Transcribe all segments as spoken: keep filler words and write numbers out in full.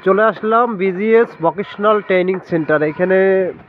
চলে আসলাম BGS vocational training centre. এখানে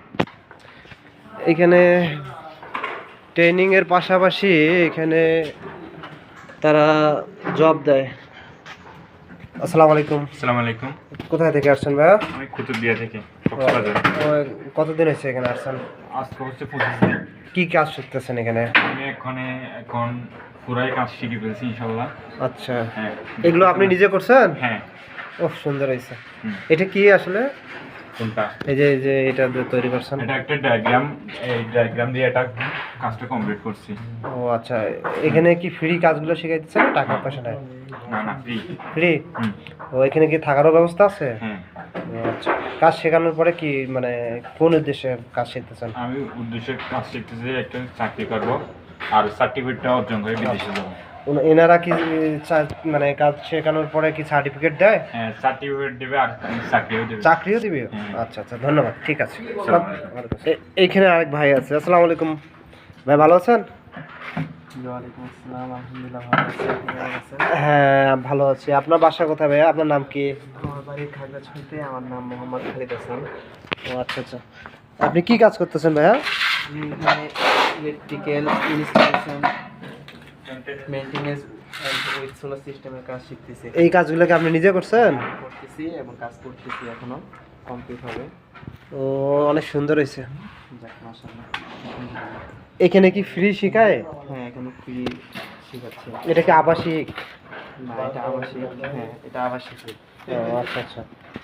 এখানে ট্রেনিংয়ের পাশাপাশি এখানে তারা জব দেয়। আসসালামু আলাইকুম। আসসালামু আলাইকুম। কোথায় থেকে আসছেন ভাইয়া? আমি কুতুবদিয়া থেকে কক্সবাজার। কতদিন হয়েছে এখানে আসছেন? আজকে হচ্ছে পঁচিশ দিন। কি কাজ শিখতেছেন এখানে? আমি এখানে এখন পুরাই কাজ শিখে ফেলছি ইনশাল্লাহ। আচ্ছা, হ্যাঁ। এগুলো আপনি নিজে করছেন? হ্যাঁ। ওহ, সুন্দর হয়েছে। হুম। এটা কি আসলে? কোনটা? এই যে এই যে এটা যে তৈরি করছেন। এটা একটা ডায়াগ্রাম, এই ডায়াগ্রাম দিয়ে এটা কাজটা কমপ্লিট করছি। ও আচ্ছা, এখানে কি ফ্রি কাজগুলো শিখাইতেছেন না টাকা পয়সা নেয়? না না, ফ্রি। ফ্রি? হুম। ও, এখানে কি থাকারও ব্যবস্থা আছে? হ্যাঁ। ও আচ্ছা, কাজ শেখানোর পরে কি মানে কোন উদ্দেশ্যে কাজ শিখতেছেন? আমি উদ্দেশ্যে কাজ শিখতেছি, একটা চাকরি করব আর সার্টিফিকেটটা অর্জন করে বিদেশে যাব। উন- এনারা কি চা- মানে কাজ শেখানোর পরে কি সার্টিফিকেট দেয়? হ্যাঁ, সার্টিফিকেট দেবে আর চাকরিও দেবে। চাকরিও দিবে? হ্যাঁ। আচ্ছা আচ্ছা, ধন্যবাদ, ঠিক আছে। আসসালামু এ- এইখানে আরেক ভাই আছে। আসসালামু আলাইকুম ভাই, ভালো আছেন? ওয়ালাইকুম আসসালাম, আলহামদুলিল্লাহ ভালো আছি। আপনি কেমন আছেন? হ্যাঁ, ভালো আছি। আপনার বাসা কোথায় ভাইয়া? আপনার নাম কি? আমার বাড়ি খাগড়াছড়িতে। আমার নাম মোহাম্মদ খালিদ হাসান। ও আচ্ছা আচ্ছা, আপনি কি কাজ করতেছেন ভাইয়া? আমি এখানে electrical installation, maintenance and with solar সিস্টেমের কাজ শিখতেছি। এই কাজগুলো কি আপনি নিজে করছেন? করতেছি এবং কাজ করতেছি, এখনো কমপ্লিট হবে। ও, অনেক সুন্দর হয়েছে। যাক, মাশাআল্লাহ। এখানে কি ফ্রি শেখায়? হ্যাঁ, এখানে ফ্রি শেখাচ্ছে। এটা কি আবাসিক? না, এটা আবাসিক। হ্যাঁ, এটা আবাসিক। ও আচ্ছা আচ্ছা,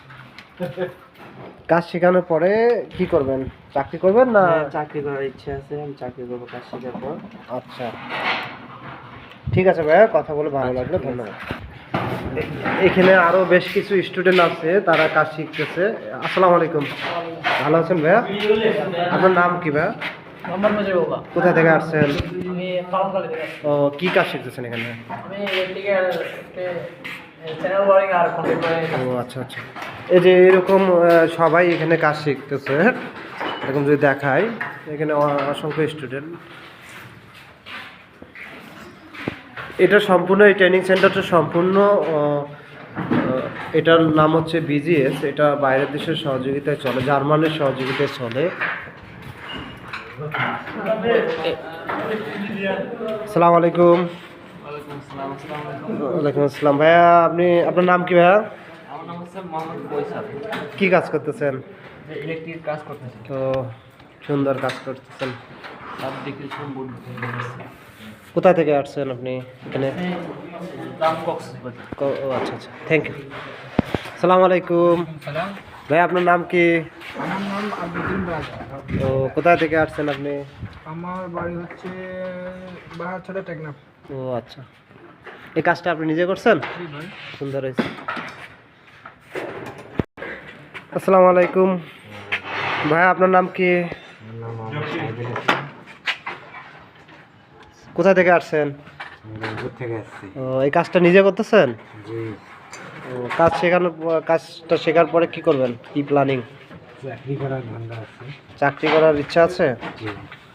কাজ শেখানোর পরে কি করবেন? চাকরি করবেন না? হ্যাঁ, চাকরি করার ইচ্ছা আছে। আমি চাকরি করবো কাজ শেখার পর। আচ্ছা, ঠিক আছে ভাইয়া, কথা বলে ভালো লাগলো, ধন্যবাদ। এ- এখানে আরো বেশ কিছু স্টুডেন্ট আছে, তারা কাজ শিখতেছে। আসসালামু আলাইকুম, ভালো আছেন ভাইয়া? আপনার নাম কি ভাইয়া? মোহাম্মদ মুজিবুর রহমান। কোথা থেকে আসছেন? আমি ফার্মখালী থেকে আসছি। ও, কি কাজ শিখতেছেন এখানে? আমি ইলেকট্রিক্যাল চ্যানেল ওয়ারিং আর কন্ট্রোল ও আচ্ছা আচ্ছা, এই যে এরকম আহ, সবাই এখানে কাজ শিখতেছে, এরকম যদি দেখায়, এখানে অ- অসংখ্য স্টুডেন্ট। এটা সম্পূর্ণ, এই ট্রেনিং সেন্টারটা সম্পূর্ণ আহ, আহ, এটার নাম হচ্ছে বিজিএস। এটা বাইরের দেশের সহযোগিতায় চলে, জার্মানির সহযোগিতায় চলে। আসসালামু আলাইকুম। ওয়ালাইকুম আসসালাম। আসসালামু আলাইকুম। ওয়ালাইকুম আসসালাম ভাইয়া, আপনি আপনার নাম কি ভাইয়া? আমার নাম হচ্ছে মোহাম্মদ বৈশাখ। কি কাজ করতেছেন? ইলেকট্রিক কাজ করতেছি। তো সুন্দর কাজ করতেছেন। Subdivision board. কোথায় থেকে আসছেন আপনি এখানে? দাম কক্সবাজার। ও- ও আচ্ছা আচ্ছা, থ্যাংক ইউ। আসসালামু আলাইকুম সালাম। ভাই, আপনার নাম কি? আমার নাম আব্দুল রাজা। ও, কোথায় থেকে আসছেন আপনি? আমার বাড়ি হচ্ছে বাহারছড়া টেকনাফ। ও আচ্ছা, এই কাজটা আপনি নিজে করছেন? জি ভাই। সুন্দর হয়েছে। আসসালামু আলাইকুম ভাই, আপনার নাম কি? কোথা থেকে আসছেন? থেকে আসছি। ও, এই কাজটা নিজে করতেছেন? জি। ও, কাজ শেখানোর পর- কাজটা শেখার পরে কি করবেন, কি প্ল্যানিং? চাকরি করার ধান্দা আছে। চাকরি করার ইচ্ছা আছে? জি।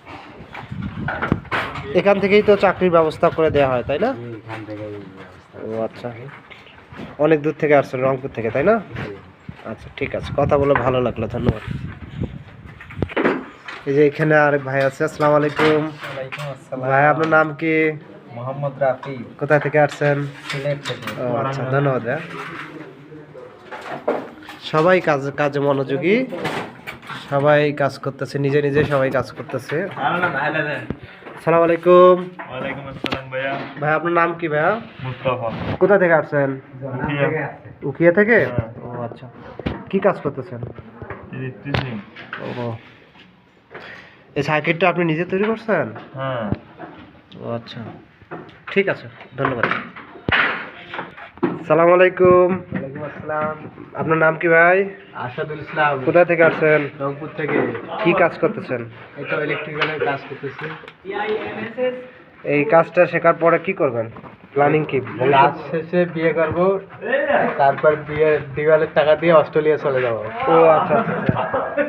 এখান থেকেই তো চাকরির ব্যবস্থা করে দেওয়া হয়, তাই না? এখান থেকে ও আচ্ছা, অনেক দূর থেকে আসছেন, রংপুর থেকে, তাই না? আচ্ছা, ঠিক আছে, কথা বলে ভালো লাগলো, ধন্যবাদ। এই যে এখানে আরেক ভাই আছে। আসসালামু আলাইকুম ওয়ালাইকুম আসসালাম। ভাই, আপনার নাম কি? মোহাম্মদ রাফি, কোথায় থেকে আসছেন? সিলেট থেকে। ও আচ্ছা, ধন্যবাদ ভাইয়া। সবাই কাজ কাজে মনোযোগী, সবাই কাজ করতেছে, নিজে নিজে সবাই কাজ করতেছে। আসসালামু আলাইকুম ওয়ালাইকুম আসসালাম ভাইয়া। ভাই, আপনার নাম কি ভাইয়া? মুস্তাফা। কোথা থেকে আসছেন? উখিয়া থেকে? হ্যাঁ। ও আচ্ছা, কি কাজ করতেছেন? ইলেকট্রিশিয়ান। ও, এই সার্কিটটা আপনি নিজে তৈরি করছেন? হ্যাঁ। ও আচ্ছা, ঠিক আছে, ধন্যবাদ। সালাম আলাইকুম। ওয়ালাইকুম আসসালাম। আপনার নাম কি ভাই? আসাদুল ইসলাম, কোথা থেকে আসছেন? রংপুর থেকে। কি কাজ করতেছেন? এটা ইলেকট্রিক্যালের কাজ করতেছি। এই কাজটা শেখার পরে কি করবেন, প্ল্যানিং কি? কাজ শেষে বিয়ে করব, তারপর বিয়ে দিওয়ালের টাকা দিয়ে অস্ট্রেলিয়া চলে যাব। ও আচ্ছা আচ্ছা আচ্ছা।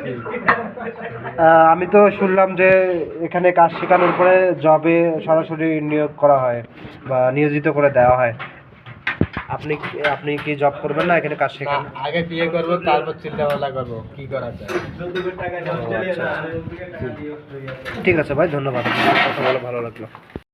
আহ, আমি তো শুনলাম যে এখানে কাজ শেখানোর পরে জবে সরাসরি নিয়োগ করা হয় বা নিয়োজিত করে দেওয়া হয়। আপনি আপনি কি জব করবেন না এখানে কাজ না, শেখান? আগে বিয়ে করবো তারপর চিন্তা ভাবনা করবো কি করা যায়। ঠিক আছে ভাই, ধন্যবাদ, কথা বলে ভালো লাগলো।